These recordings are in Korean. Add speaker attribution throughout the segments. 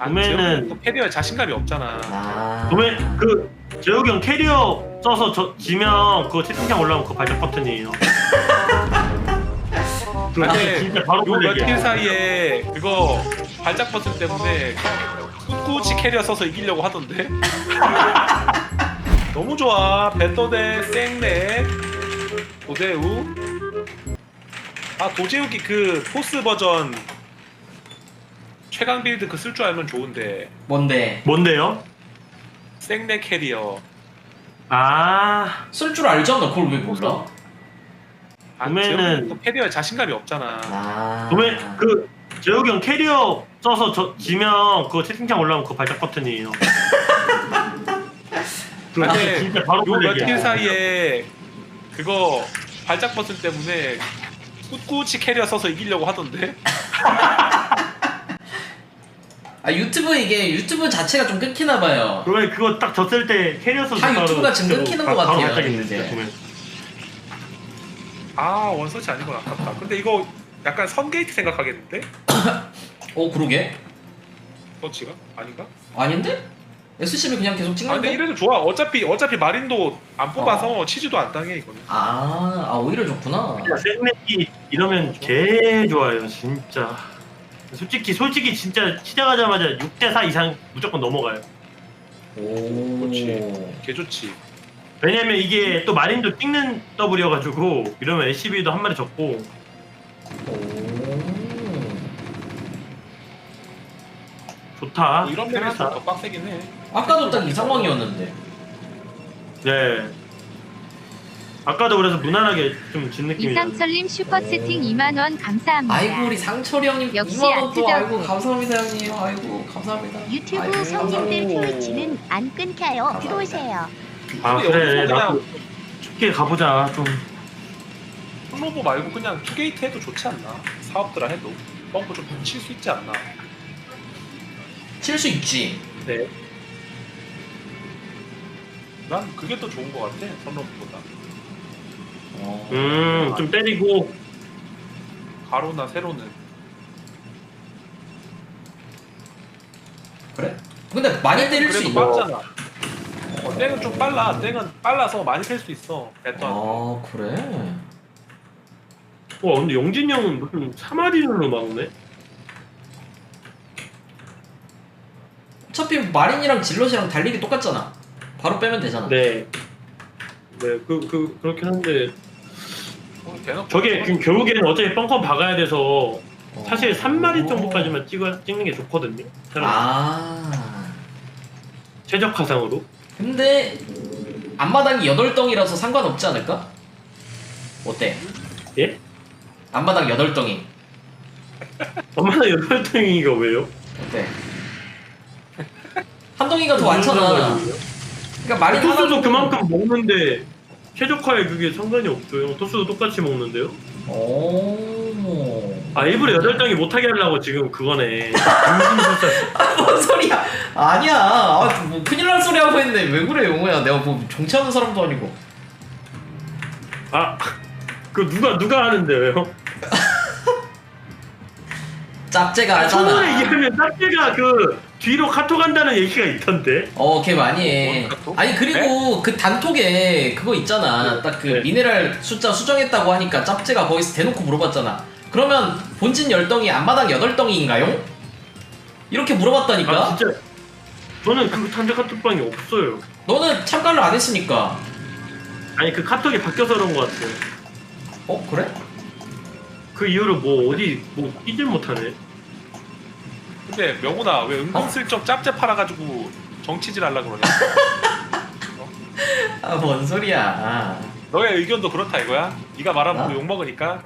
Speaker 1: 도매는
Speaker 2: 또 캐리어에 자신감이 없잖아.
Speaker 1: 도매 재욱이 형 캐리어 써서 지면 그거 채팅창 올라오면 그거 발작 버튼이에요.
Speaker 2: 근데
Speaker 1: 진짜 바로
Speaker 2: 요 며칠
Speaker 1: 얘기야.
Speaker 2: 사이에 그거 발작 버튼 때문에 꿋꿋이 캐리어 써서 이기려고 하던데. 너무 좋아. 배터대 쌩네 도재우. 도재욱이 그 포스 버전 최강 빌드 그 쓸 줄 알면 좋은데.
Speaker 1: 뭔데요?
Speaker 2: 쌩네 캐리어.
Speaker 3: 쓸 줄 알잖아. 그걸 왜 몰라?
Speaker 1: 도매는
Speaker 2: 또 캐리어에 자신감이 없잖아.
Speaker 1: 도매 재욱이 형 캐리어 써서 지면 그거 채팅창 올라오면 그거 발작 버튼이에요.
Speaker 2: 근데
Speaker 1: 진짜 바로
Speaker 2: 요 며칠
Speaker 1: 얘기야.
Speaker 2: 사이에 그거 발작 버튼 때문에 꿋꿋이 캐리어 써서 이기려고 하던데.
Speaker 3: 유튜브 자체가 좀 끊기나봐요.
Speaker 1: 그러면 그거 딱 졌을 때 캐리어 써서
Speaker 3: 다 유튜브가 지금 끊기는 것 같아요,
Speaker 1: 발작인데
Speaker 3: 이제.
Speaker 1: 진짜 도매.
Speaker 2: 원서치 아닌 건 아깝다. 근데 이거 약간 선게이트 생각하겠는데?
Speaker 3: 그러게?
Speaker 2: 서치가? 아닌가?
Speaker 3: 아닌데? SCB 그냥 계속
Speaker 2: 근데
Speaker 3: 찍는데?
Speaker 2: 이래도 좋아. 어차피 마린도 안 뽑아서 치즈도 안 당해 이거는.
Speaker 3: 오히려 좋구나.
Speaker 1: 샌맥이 이러면 개 좋아요 진짜. 솔직히 진짜 시작하자마자 6대4 이상 무조건 넘어가요.
Speaker 2: 그렇지. 개 좋지.
Speaker 1: 왜냐면 이게 또 마린도 찍는 더블이어가지고 이러면 SCB도 한 마리 적고. 좋다.
Speaker 2: 이런 맵에서 더 빡세긴 해.
Speaker 3: 아까도 딱 이 상황이었는데.
Speaker 1: 네. 아까도 그래서 무난하게 좀 진 느낌이야.
Speaker 4: 이상철님 슈퍼채팅 2만원 감사합니다.
Speaker 3: 아이고 우리 상철이 형님
Speaker 4: 역시
Speaker 3: 2만원 또
Speaker 4: 아트적.
Speaker 3: 아이고 감사합니다 형님. 아이고 감사합니다.
Speaker 4: 유튜브
Speaker 3: 아이고,
Speaker 4: 손님들
Speaker 3: 감사합니다.
Speaker 4: 트위치는 안 끊겨요.
Speaker 3: 감사합니다.
Speaker 4: 들어오세요.
Speaker 2: 근데
Speaker 1: 그래
Speaker 2: 여기서
Speaker 1: 나도
Speaker 2: 그냥
Speaker 1: 쉽게 가보자 좀.
Speaker 2: 플로버 말고 그냥 투게이트 해도 좋지 않나? 사업들아 해도 뻥고 좀 칠 수 있지 않나?
Speaker 3: 칠 수 있지.
Speaker 2: 네. 난 그게 더 좋은 것 같아. 선로보다.
Speaker 1: 좀 때리고.
Speaker 2: 가로나 세로는.
Speaker 3: 그래? 근데 많이 때릴 수
Speaker 2: 그래도
Speaker 3: 있나?
Speaker 2: 빠르잖아. 땡은 좀 빨라. 땡은 빨라서 많이 셀 수 있어. 배터.
Speaker 3: 그래?
Speaker 1: 와 근데 영진이 형은 무슨 3마리로 막네?
Speaker 3: 어차피 마린이랑 질럿이랑 달리기 똑같잖아. 바로 빼면 되잖아.
Speaker 1: 네. 네, 그렇긴 한데.
Speaker 2: 대놓고
Speaker 1: 저게 지금 결국에는 어차피 뻥뻥 박아야 돼서 사실 3마리 정도까지만 찍는 게 좋거든요. 최적화상으로.
Speaker 3: 근데 앞마당이 8덩이라서 상관없지 않을까? 어때?
Speaker 1: 예?
Speaker 3: 앞마당 8덩이
Speaker 1: 엄마나 8등이가 왜요?
Speaker 3: 어때? 한 덩이가 더 많잖아. 그러니까 마린
Speaker 1: 토스도
Speaker 3: 하나
Speaker 1: 그만큼 먹는데 최적화에 그게 상관이 없어요. 토스도 똑같이 먹는데요? 일부러 8등이 못하게 하려고 지금 그거네.
Speaker 3: 뭔 소리야? 아니야. 뭐 큰일 날 소리 하고 있는데 왜 그래 용호야? 내가 뭐 정치하는 사람도 아니고.
Speaker 1: 누가 하는데 왜요?
Speaker 3: 짭제가 하잖아.
Speaker 1: 처음에 얘기하면 짭제가 뒤로 카톡 한다는 얘기가 있던데.
Speaker 3: 걔 많이 해.
Speaker 2: 카톡?
Speaker 3: 아니 그리고 그 단톡에 그거 있잖아. 딱 그
Speaker 1: 네.
Speaker 3: 미네랄 숫자 수정했다고 하니까 짭제가 거기서 대놓고 물어봤잖아. 그러면 본진 10덩이 앞마당 8덩이인가요? 이렇게 물어봤다니까.
Speaker 1: 진짜 저는 그 단체 카톡방이 없어요.
Speaker 3: 너는 참가를 안 했으니까.
Speaker 1: 아니 그 카톡이 바뀌어서 그런 것 같아요.
Speaker 3: 그래?
Speaker 1: 그 이후로 어디 끼질 못하네.
Speaker 2: 근데 명훈아 왜 은근슬쩍 짭짭 팔아가지고 정치질 하려고 그러냐?
Speaker 3: 뭔 소리야.
Speaker 2: 너의 의견도 그렇다 이거야? 네가 말하면
Speaker 3: 나?
Speaker 2: 욕먹으니까.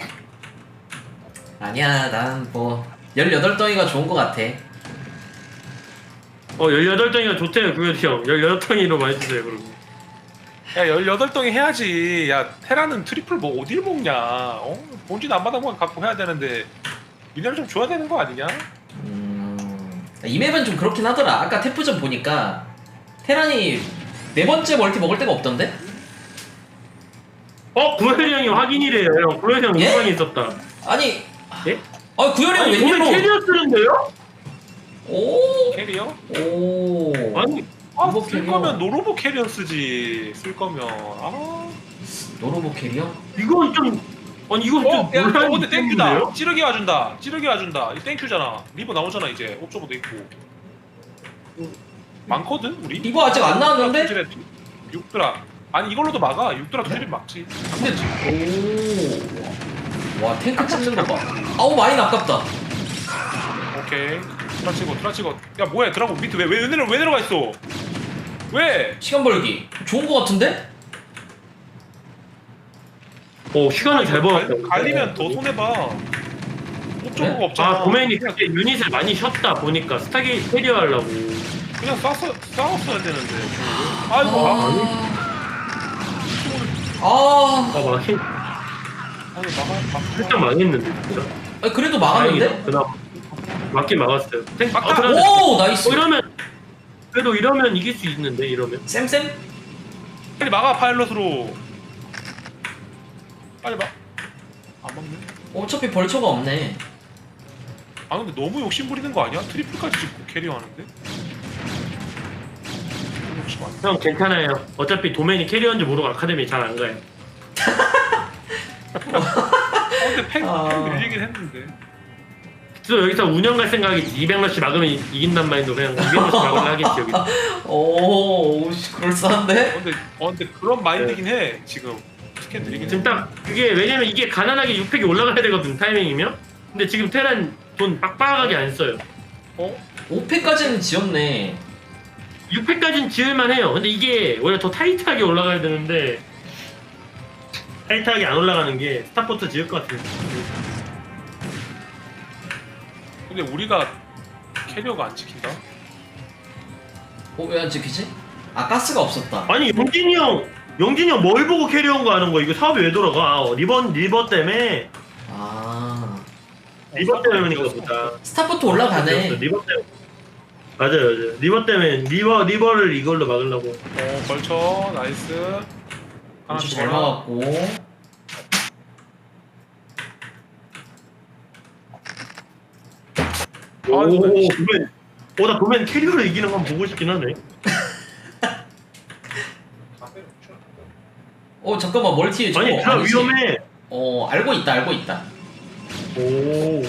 Speaker 3: 아니야 난 18덩이가 좋은 것 같아.
Speaker 1: 18등이가 좋대요 구현이 형. 18등이로 많이 주세요 그러고.
Speaker 2: 야 18덩이 해야지. 야 테라는 트리플 어딜 먹냐? 본진 앞마당만 갖고 해야 되는데 미네랄 좀 줘야 되는 거 아니냐?
Speaker 3: 이 맵은 좀 그렇긴 하더라. 아까 태프전 보니까 테란이 4번째 멀티 먹을 데가 없던데?
Speaker 1: 구현이 형이 확인이래요 형. 구현이 형
Speaker 3: 예?
Speaker 1: 영상이 있었다.
Speaker 3: 아니
Speaker 1: 예?
Speaker 3: 구현이 형
Speaker 1: 보면
Speaker 3: 웬일로
Speaker 1: 캐리어 쓰는데요?
Speaker 3: 오.
Speaker 2: 캐리어?
Speaker 3: 오.
Speaker 1: 아니
Speaker 2: 아,
Speaker 3: 로보
Speaker 2: 쓸
Speaker 3: 캐리어.
Speaker 2: 거면 노로보 캐리어 쓰지. 쓸 거면. 아.
Speaker 3: 노로보 캐리어?
Speaker 1: 이건 좀 아니 이건 좀
Speaker 2: 야,
Speaker 1: 논란이
Speaker 2: 근데 땡큐다.
Speaker 1: 있겠는데요?
Speaker 2: 찌르기 와준다. 찌르기 와준다. 이 땡큐잖아. 리버 나오잖아 이제. 옵저버도 있고. 많거든 우리.
Speaker 3: 리버 아직 안 나왔는데?
Speaker 2: 6드라. 아니 이걸로도 막아. 6드라 투질이 막지.
Speaker 3: 근데 와 탱크 찍는 거 봐. 아우 마인 아깝다.
Speaker 2: 오케이. 트라치고. 야 뭐야 드라곤 밑에 왜 내려가 있어? 왜?
Speaker 3: 시간 벌기 좋은 거 같은데?
Speaker 1: 시간을 잘 벌었다.
Speaker 2: 갈리면 더 손해 봐. 옵저버가 없잖아.
Speaker 1: 아 도메인이 그때 유닛을 많이 쉬었다 보니까 스타게이트 캐리어 하려고.
Speaker 2: 그냥 싸웠어야 되는데. 아이고.
Speaker 3: 아.
Speaker 2: 아니
Speaker 1: 살짝 망했는데 진짜.
Speaker 3: 아니, 그래도 막았는데?
Speaker 1: 다행이다. 그나마 맞긴 막았어요.
Speaker 2: 막다.
Speaker 3: 오 나이스.
Speaker 1: 이러면 그래도 이러면 이길 수 있는데 이러면.
Speaker 3: 쌤?
Speaker 2: 빨리 막아 파일럿으로. 빨리 막. 안 막네.
Speaker 3: 어차피 벌초가 없네.
Speaker 2: 아 근데 너무 욕심 부리는 거 아니야? 트리플까지 찍고 캐리어하는데? 욕심 아니야?
Speaker 1: 형 괜찮아요. 어차피 도메인이 캐리어인지 모르고 아카데미 잘 안 가요.
Speaker 2: 근데 팩 밀리긴 했는데.
Speaker 1: 그래서 여기서 운영 갈 생각이지. 200러시 막으면 이긴단 말인데 그냥 200러시 막으려 하겠지 여기.
Speaker 3: 오씨 그럴싸한데?
Speaker 2: 근데 그런 마인드긴 해 지금. 스캔 드리긴
Speaker 1: 지금 딱 그게 왜냐면 이게 가난하게 6팩이 올라가야 되거든 타이밍이면. 근데 지금 테란 돈 빡빡하게 안 써요.
Speaker 3: 5패까지는 지었네.
Speaker 1: 6팩까지는 지을만 해요. 근데 이게 원래 더 타이트하게 올라가야 되는데 타이트하게 안 올라가는 게 스타포트 지을 것 같아요.
Speaker 2: 근데 우리가 캐리어가 안 찍힌다?
Speaker 3: 왜 안 찍히지? 아 가스가 없었다.
Speaker 1: 아니 영진이 형 뭘 보고 캐리어온 거 하는 거야? 이거 사업이 왜 돌아가? 리버 때문에.
Speaker 3: 아
Speaker 1: 리버 때문인가 보다.
Speaker 3: 스타포트 올라가네.
Speaker 1: 리버 때문에. 맞아요. 리버 때문에 리버를 이걸로 막으려고.
Speaker 2: 벌쳐 나이스. 하나
Speaker 3: 아주 잘
Speaker 2: 죽어라.
Speaker 3: 막았고.
Speaker 1: 도맨. 나 도맨 캐리어로 이기는 건 보고 싶긴 하네.
Speaker 3: 잠깐만 멀티에 저거
Speaker 1: 아니, 그럼
Speaker 3: 아니지?
Speaker 1: 위험해.
Speaker 3: 알고 있다.
Speaker 1: 오.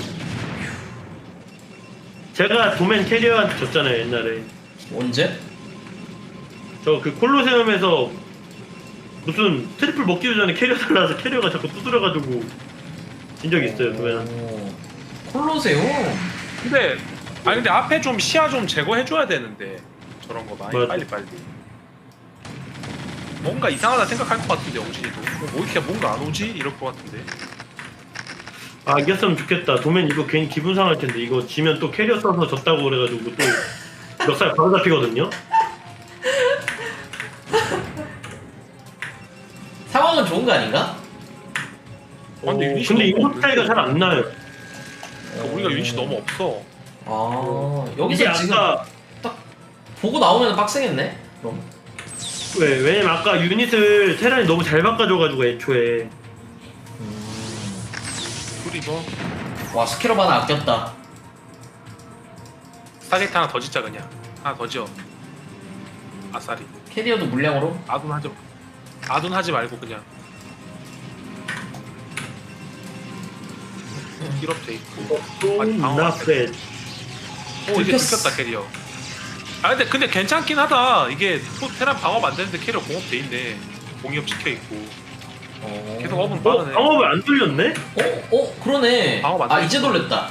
Speaker 1: 제가 도맨 캐리어한테 졌잖아요 옛날에.
Speaker 3: 언제?
Speaker 1: 저 그 콜로세움에서 무슨 트리플 먹기 전에 캐리어 달라서 캐리어가 자꾸 두드려가지고 진 적이 있어요 도맨한테.
Speaker 3: 콜로세움.
Speaker 2: 근데 앞에 좀 시야 좀 제거해줘야 되는데 저런 거 많이
Speaker 1: 맞아.
Speaker 2: 빨리 뭔가 이상하다 생각할 것 같은데 영진이도 뭐 이렇게 뭔가 안 오지? 이럴 것 같은데.
Speaker 1: 아 이겼으면 좋겠다. 도맨 이거 괜히 기분 상할 텐데 이거 지면 또 캐리어 써서 졌다고 그래가지고 또 멱살 바로 잡히거든요.
Speaker 3: 상황은 좋은 거 아닌가?
Speaker 2: 근데 유닛이
Speaker 1: 근데
Speaker 2: 너무
Speaker 1: 인구 차이가 잘 안 나요.
Speaker 2: 우리가 유닛이 너무 없어.
Speaker 1: 이게
Speaker 3: 여기서 지금
Speaker 1: 아까
Speaker 3: 보고 나오면 빡세겠네. 그럼.
Speaker 1: 왜냐면 아까 유닛을 테란이 너무 잘 바꿔줘가지고 애초에.
Speaker 2: 그리고
Speaker 3: 와 스캐럽 하나 아꼈다.
Speaker 2: 스타게이트 하나 더 짓자 그냥. 하나 더 지어. 아싸리.
Speaker 3: 캐리어도 물량으로.
Speaker 2: 아둔하지 말고 그냥. 힐업 돼 있고. 아니, 방어 안 돼.
Speaker 1: 나페.
Speaker 2: 이제
Speaker 3: 들켰어.
Speaker 2: 들켰다 캐리어. 근데 괜찮긴 하다. 이게 테란 방업 안 되는데 캐리어 공업 돼 있네. 공이업 찍혀 있고. 계속 업은 빠르네.
Speaker 1: 방업을 안 돌렸네?
Speaker 3: 그러네.
Speaker 2: 방어 맞다.
Speaker 3: 이제 돌렸다.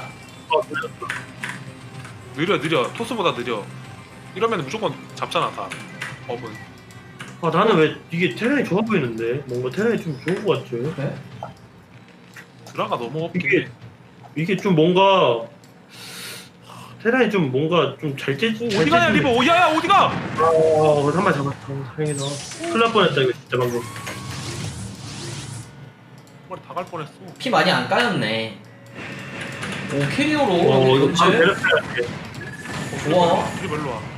Speaker 2: 느려. 토스보다 느려. 이러면 무조건 잡잖아 다. 업은.
Speaker 1: 나는 왜 이게 테란이 좋아 보이는데? 뭔가 테란이 좀 좋은 것 같죠?
Speaker 3: 그래?
Speaker 2: 드라가 너무 없긴
Speaker 1: 이게-
Speaker 2: 해.
Speaker 1: 이게 좀 뭔가 테란이 좀 뭔가 좀 잘 째지.
Speaker 2: 어디 가냐 리버? 야야 어디가?
Speaker 1: 한발 잡았어. 다행이다. 큰일 날 뻔했다 이거 진짜 방금.
Speaker 2: 머리 다갈 뻔했어.
Speaker 3: 피 많이 안 까였네. 오 캐리어로.
Speaker 1: 이거 바로
Speaker 3: 언제?
Speaker 1: 내렸어야 돼.
Speaker 3: 좋아.
Speaker 2: 트리버 일로 와.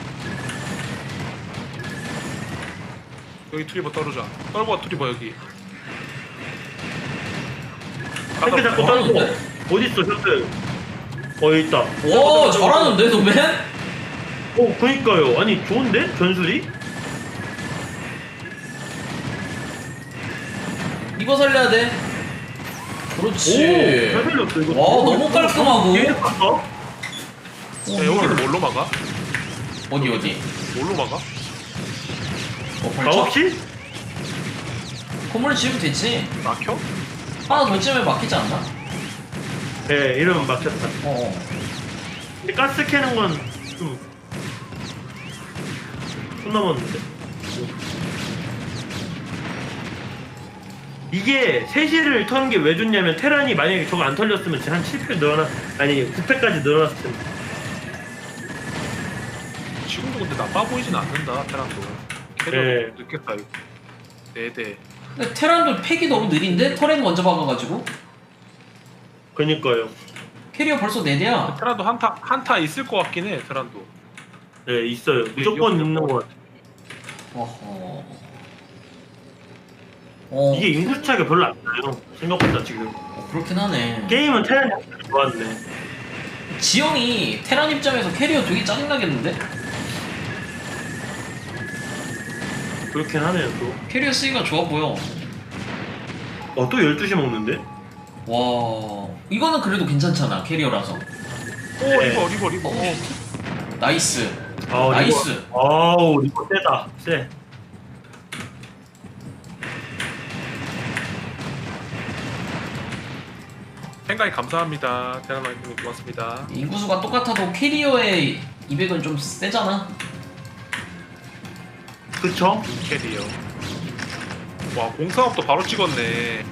Speaker 2: 여기 트리버 떨어져. 떨고 트리버 여기.
Speaker 1: 탱크 잡고 떨고.
Speaker 3: 하는데?
Speaker 1: 어딨어 셔틀. 여기 있다.
Speaker 3: 오 잘하는데 노맨?
Speaker 1: 그니까요. 아니 좋은데 전술이?
Speaker 3: 이거 살려야 돼. 그렇지.
Speaker 1: 잘 살렸어 이거.
Speaker 3: 와, 너무 깔끔하고.
Speaker 1: 얘 봤어?
Speaker 2: 야, 여기는 뭘로 막아?
Speaker 3: 어디?
Speaker 2: 뭘로 막아?
Speaker 3: 벌쳐?
Speaker 1: 가옥실?
Speaker 3: 건물을 지으면 되지.
Speaker 2: 막혀?
Speaker 3: 하나 더 지으면 막히지 않나?
Speaker 1: 네, 이러면 막혔다. 근데 가스 캐는 건좀 손 넘었는데. 이게 3시를 터는 게 왜 좋냐면 테란이 만약에 저거 안 털렸으면 한 7패 아니 9패까지 늘어났을 텐데.
Speaker 2: 지금도 근데 나빠 보이진 않는다 테란도. 캐리어
Speaker 1: 네.
Speaker 2: 늦겠다 이거. 4대.
Speaker 3: 근데 테란도 팩이 너무 느린데? 터렛 먼저 박아가지고
Speaker 1: 그니까요.
Speaker 3: 캐리어 벌써 4대야.
Speaker 2: 테란도 한타 있을 것 같긴 해 테란도.
Speaker 1: 네, 있어요. 무조건 있는 것 같아.
Speaker 3: 어허.
Speaker 1: 이게 인구 차이가 별로 안 나요. 생각보다 지금.
Speaker 3: 그렇긴 하네.
Speaker 1: 게임은 테란이 좋았네.
Speaker 3: 지영이 테란 입장에서 캐리어 되게 짜증나겠는데?
Speaker 1: 그렇긴 하네요, 또.
Speaker 3: 캐리어 쓰기가 좋아 보여.
Speaker 1: 또 12시 먹는데?
Speaker 3: 와, 이거는 그래도 괜찮잖아 캐리어라서.
Speaker 2: 오
Speaker 1: 네.
Speaker 2: 리버.
Speaker 3: 나이스.
Speaker 1: 아우,
Speaker 3: 나이스.
Speaker 1: 아우, 이거 세다. 세.
Speaker 2: 생각이 감사합니다. 테란 마이크님 고맙습니다.
Speaker 3: 인구수가 똑같아도 캐리어의 200은 좀 세잖아.
Speaker 1: 그쵸?
Speaker 2: 캐리어. 와 공사업도 바로 찍었네.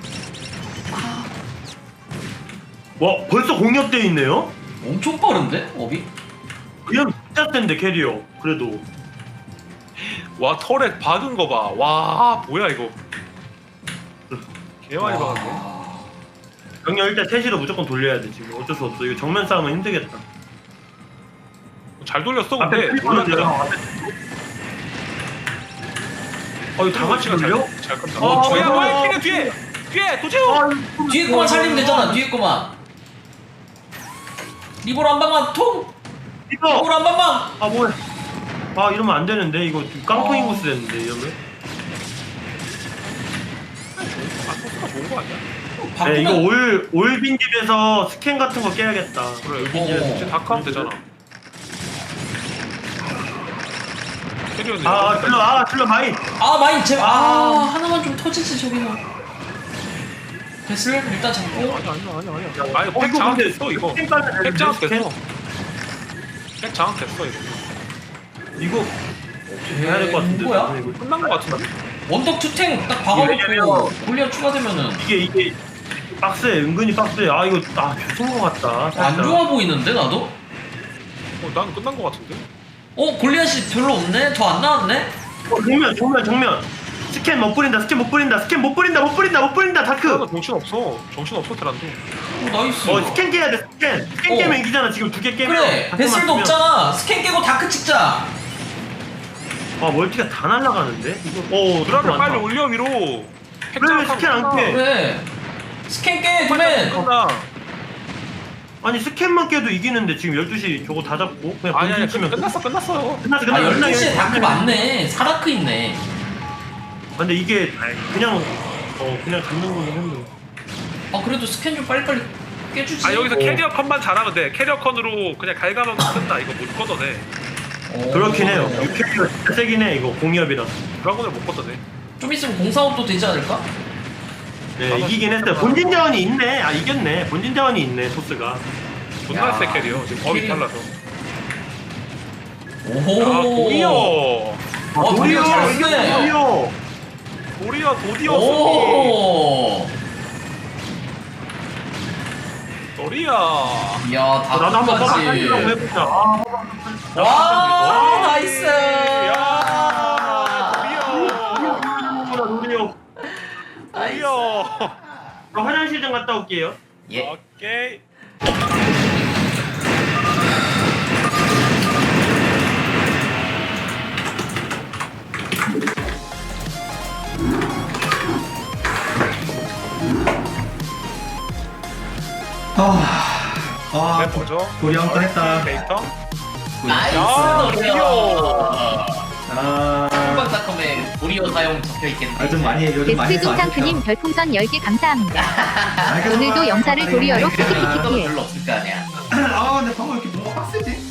Speaker 1: 와, 벌써 공격돼 있네요?
Speaker 3: 엄청 빠른데 업이?
Speaker 1: 그냥 진짜 센데, 캐리어. 그래도.
Speaker 2: 와 터렛 박은 거 봐. 와 뭐야 이거. 개많이
Speaker 3: 와.
Speaker 2: 박았네.
Speaker 1: 병력 일단 3시로 무조건 돌려야 돼, 지금. 어쩔 수 없어. 이거 정면 싸움은 힘들겠다.
Speaker 2: 잘 돌렸어
Speaker 1: 앞에
Speaker 2: 근데.
Speaker 1: 풀리거든요. 이거 다 같이 돌려?
Speaker 2: 잘 끈다.
Speaker 1: 어,
Speaker 2: 야
Speaker 1: 어,
Speaker 2: 와이키는 뒤에 도재호.
Speaker 3: 뒤에 거만 살리면 되잖아. 뒤에 거만. 리버로 한 방만 통.
Speaker 1: 이거!
Speaker 3: 리버로 한 방만.
Speaker 1: 뭐야. 이러면 안 되는데. 이거 깡통
Speaker 3: 어.
Speaker 1: 인구수 됐는데, 이러면.
Speaker 2: 소스가 좋은 거 아니야?
Speaker 1: 네, 이거
Speaker 3: 바꾸면
Speaker 1: 올 빈집에서 스캔 같은 거 깨야겠다.
Speaker 2: 그래
Speaker 3: 어.
Speaker 2: 이제 다크하면 되잖아. 캐리어는
Speaker 1: 질러 마인.
Speaker 3: 마인 제발. 하나만 좀 터지지 저기는. 베슬 일단 잡고.
Speaker 2: 아니야. 아니 팩
Speaker 1: 이거
Speaker 2: 장악
Speaker 1: 근데
Speaker 2: 됐어 이거.
Speaker 1: 스캔 까면 되는데,
Speaker 2: 팩 장악
Speaker 1: 스캔?
Speaker 2: 됐어. 팩 장악 됐어 이거.
Speaker 1: 이거 해야 될 것 같은데.
Speaker 3: 뭐야?
Speaker 1: 이거.
Speaker 2: 끝난 거 같은데?
Speaker 3: 원덕 투탱 딱
Speaker 1: 왜냐면-
Speaker 3: 박아놓고 골리앗 추가되면은
Speaker 1: 이게 박스에 은근히 박스에 이거 좋은 것 같다.
Speaker 3: 안
Speaker 1: 살짝.
Speaker 3: 좋아 보이는데 나도?
Speaker 2: 난 끝난 거 같은데?
Speaker 3: 골리앗이 별로 없네? 더 안 나왔네?
Speaker 1: 정면. 스캔 못 뿌린다. 스캔 못 뿌린다. 다크.
Speaker 2: 정신 없어 테란도.
Speaker 3: 나이스.
Speaker 1: 스캔 깨야 돼. 스캔 깨면 이기잖아. 지금 2개 깨면.
Speaker 3: 그래
Speaker 1: 다크만
Speaker 3: 베슬도
Speaker 1: 쓰면.
Speaker 3: 없잖아. 스캔 깨고 다크 찍자.
Speaker 1: 멀티가 다 날아가는데. 이거
Speaker 2: 드라를 빨리 올려 위로. 팩
Speaker 1: 그래,
Speaker 2: 장악하고
Speaker 1: 스캔 안
Speaker 2: 끝나.
Speaker 1: 깨.
Speaker 3: 그래 스캔 깨 도맨.
Speaker 2: 끝나.
Speaker 1: 아니 스캔만 깨도 이기는데 지금 12시 저거 다 잡고 그냥
Speaker 2: 아니
Speaker 1: 본진 치면
Speaker 2: 끝났어.
Speaker 1: 끝났어.
Speaker 3: 12시에 다크 맞네. 사다크 있네.
Speaker 1: 근데 이게 그냥 잡는 거긴 한데.
Speaker 3: 그래도 스캔 좀 빨리빨리 깨주지.
Speaker 2: 여기서 캐리어 컷만 잘하면 돼. 캐리어 컷으로 그냥 갈가면 끝나. 이거 못 걷어내.
Speaker 1: 그렇긴 해요. 6캐리가 진짜 세긴 해. 이거 공이업이라서.
Speaker 2: 드라곤을 못 걷어내.
Speaker 3: 좀 있으면 공사업도 되지 않을까?
Speaker 1: 네, 이기긴 했어요. 본진 자원이 있네. 이겼네. 본진 자원이 있네. 소스가.
Speaker 2: 존나
Speaker 3: 야,
Speaker 2: 세 캐리어. 지금 법이
Speaker 3: 캐리어.
Speaker 2: 달라서.
Speaker 3: 오호.
Speaker 2: 도리어.
Speaker 3: 도리어 잘했네.
Speaker 2: 도리어.
Speaker 3: 오.
Speaker 2: 도리어.
Speaker 3: 이야
Speaker 1: 나도 한번
Speaker 3: 다크까지.
Speaker 1: 해보려고 해보자.
Speaker 3: 와 나이스.
Speaker 1: 도리어. 화장실 좀 갔다 올게요.
Speaker 3: 예.
Speaker 2: 오케이.
Speaker 5: 아,
Speaker 2: 네, 뭐죠?
Speaker 5: 도리 한건 했다.
Speaker 2: 데이터?
Speaker 3: 나이스
Speaker 2: 야,
Speaker 3: 도리어.
Speaker 5: 아,
Speaker 3: 한방닷컴에 도리어 사용 적혀있겠네.
Speaker 5: 좀 많이 요즘 많이
Speaker 4: 베스트
Speaker 5: 해서 안
Speaker 4: 동상크님
Speaker 5: 좋다.
Speaker 4: 별풍선 10개 감사합니다.
Speaker 5: 아, 그래도
Speaker 4: 오늘도 영사를 도리어로
Speaker 3: 그래도 이거는
Speaker 4: 키키키키키.
Speaker 3: 별로 없을 거 아니야.
Speaker 5: 아, 근데 방금 왜 이렇게 뭔가 빡세지?